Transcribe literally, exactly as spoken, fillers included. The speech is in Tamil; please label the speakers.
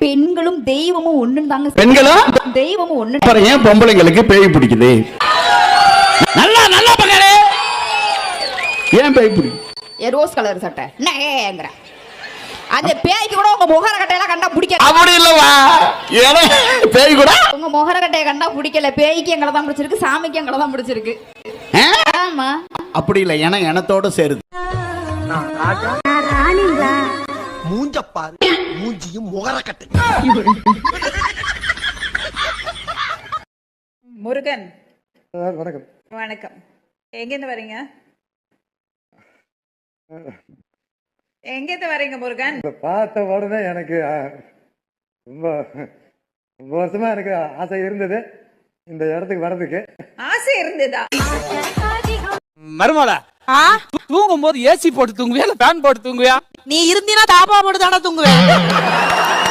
Speaker 1: பெண்களும் தெய்வமும் ஒண்ணுன்னு தாங்க.
Speaker 2: பெண்களும்
Speaker 1: தெய்வமும் ஒண்ணு.
Speaker 2: அப்புறம் ஏன் பொம்பளைங்களுக்கு பேய் பிடிக்குது? நல்லா நல்லா பகலே ஏன் பேய் பிடிக்கும்?
Speaker 1: ஏ ரோஸ் கலர் சட்டை நேங்கற அந்த பேய்க்கு கூட உங்க முகர கட்டையெல்லாம் கண்டா பிடிக்கல.
Speaker 2: அப்படி இல்லவா? ஏனே பேய் கூட
Speaker 1: உங்க முகர கட்டைய கண்டா பிடிக்கல. பேய்க்கு எங்கள தான் பிடிச்சிருக்கு, சாமிக்கு எங்கள தான் பிடிச்சிருக்கு. ஆமா
Speaker 2: அப்படி இல்ல, ஏன்னா எனத்தோட சேருது.
Speaker 3: மூஞ்ச பாரு, மூஞ்சியும் முகர கட்டை.
Speaker 4: முருகன்
Speaker 5: வணக்கம்.
Speaker 4: வணக்கம். எங்கேருந்து வரீங்க? எங்கேருந்து வரீங்க முருகன்?
Speaker 5: பார்த்த உடனே எனக்கு ரொம்ப ரொம்ப வருஷமா எனக்கு ஆசை இருந்தது இந்த இடத்துக்கு வர்றதுக்கு.
Speaker 4: ஆசை இருந்ததா?
Speaker 6: மருமலா தூங்கும் போது ஏசி போட்டு தூங்குவியா இல்ல ஃபேன் போட்டு தூங்குவியா?
Speaker 7: நீ இருந்தீனா தாப்பா போட்டு தானே தூங்குவேன்.